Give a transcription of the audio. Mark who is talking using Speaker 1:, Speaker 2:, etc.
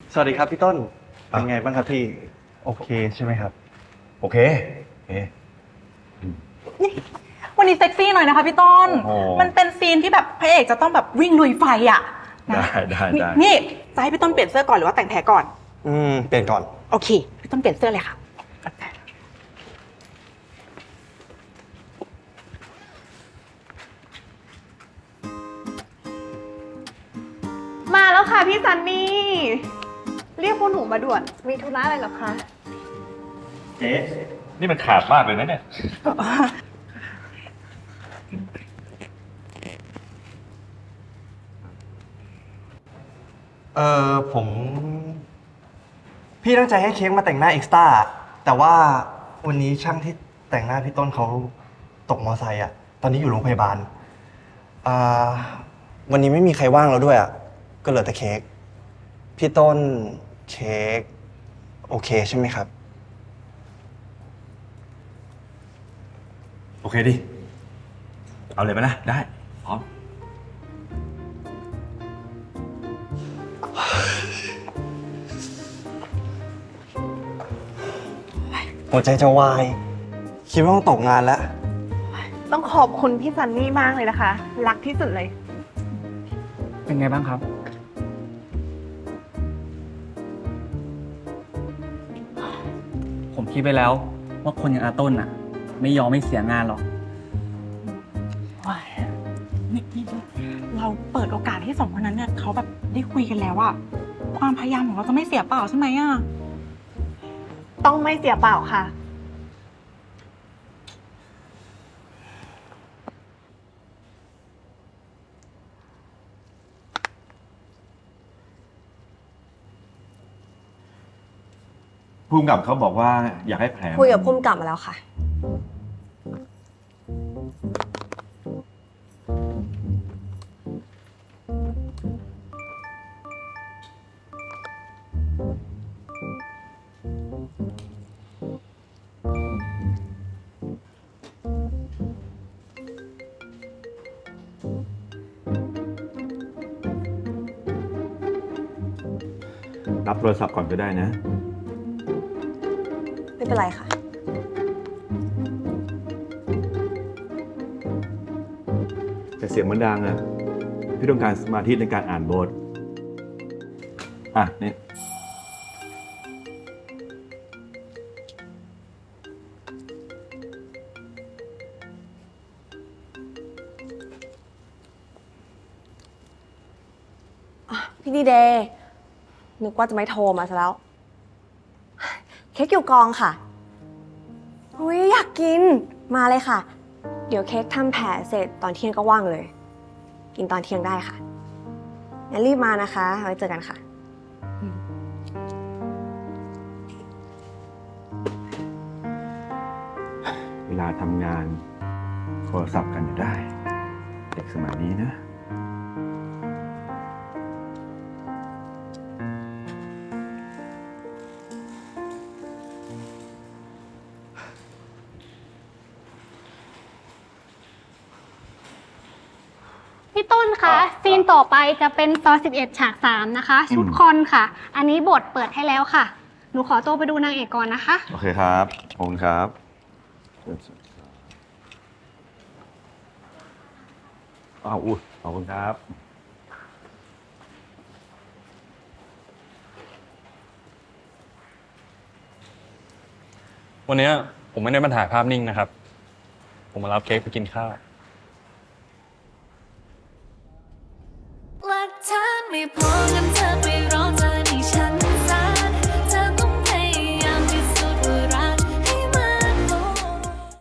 Speaker 1: สวัสดีครับพี่ต้น เป็นไงบ้างครับพี่ โอเคใช่ไหมครับ
Speaker 2: โอเคเอ๊ะ
Speaker 3: วันนี้เซ็กซี่หน่อยนะคะพี่ต้น
Speaker 2: โอ้โห
Speaker 3: มันเป็นซีนที่แบบพระเอกจะต้องแบบวิ่งลุยไฟอ่ะนะ
Speaker 2: ได้
Speaker 3: นี่จะให้พี่ต้นเปลี่ยนเสื้อก่อนหรือว่าแต่งแผลก่อน
Speaker 1: เปลี่ยนก่อน
Speaker 3: โอเค พี่ต้นเปลี่ยนเสื้อเลยค่ะ
Speaker 4: มาแล้วค่ะพี่ซันนี่ เรียกพวกหนูมาด่วน มีธุระอะไรเหรอคะ
Speaker 2: เอ๊ะนี่มันขาดมากเลยนะเนี่ย
Speaker 1: ผม พี่ตั้งใจให้เค้กมาแต่งหน้าเอ็กซ์ต้าแต่ว่าวันนี้ช่างที่แต่งหน้าพี่ต้นเขาตกมอไซค์อ่ะ ตอนนี้อยู่โรงพยาบาลวันนี้ไม่มีใครว่างแล้วด้วยอ่ะ ก็เหลือแต่เค้ก พี่ต้นเค้กโอเคใช่ไหมครับ
Speaker 2: โอเคดิ เอาเลยไหมนะ ได้ พร้อม
Speaker 1: หัวใจจะวาย คิดว่าต้องตกงานแล้ว
Speaker 4: ต้องขอบคุณพี่ซันนี่มากเลยนะคะ รักที่สุดเลย
Speaker 5: เป็นไงบ้างครับ ผมคิดไปแล้วว่าคนอย่างอาต้นน่ะ ไม่ยอมไม่เสียงานหรอก
Speaker 3: นี่เราเปิดโอกาสให้สองคนนั้นเนี่ยเขาแบบได้คุยกันแล้วอะความพยายามของเราจะไม่เสียเปล่าใช่ไหมอะ
Speaker 4: ต้องไม่เสียเปล่าค่ะ
Speaker 2: ภูมิกับเขาบอกว่าอยากให้แผล
Speaker 6: คุยกับพุ่มกลับมาแล้วค่ะ
Speaker 2: รับโทรศัพท์ก่อนก็ได้นะ
Speaker 6: ไม่เป็นไรค่ะ
Speaker 2: แต่เสียงมันดังอ่ะ พี่ต้องการสมาธิในการอ่านบท อ่ะ นี่
Speaker 6: พี่ดีเดย์นึกว่าจะไม่โทรมาซะแล้ว เค้กอยู่กองค่ะอุ้ยอยากกิน มาเลยค่ะ เดี๋ยวเค้กทำแผลเสร็จตอนเที่ยงก็ว่างเลย กินตอนเที่ยงได้ค่ะ งั้นรีบมานะคะ ไว้เจอกันค่ะ
Speaker 2: เวลาทำงานโทรศัพท์กันอยู่ได้ เด็กสมัยนี้นะ
Speaker 7: พี่ต้นคะซีนต่อไปจะเป็นซอย11 ฉาก 3 นะคะ ชุดคอนค่ะ อันนี้บทเปิดให้แล้วค่ะ หนูขอตัวไปดูนางเอกก่อนนะคะ
Speaker 2: โอเคครับขอบคุณครับอ้าวอุ้ยขอบคุณครับ
Speaker 8: วันนี้ผมไม่ได้มาถ่ายภาพนิ่งนะครับ ผมมารับเค้กไปกินข้าว
Speaker 9: รักเธอไม่พอ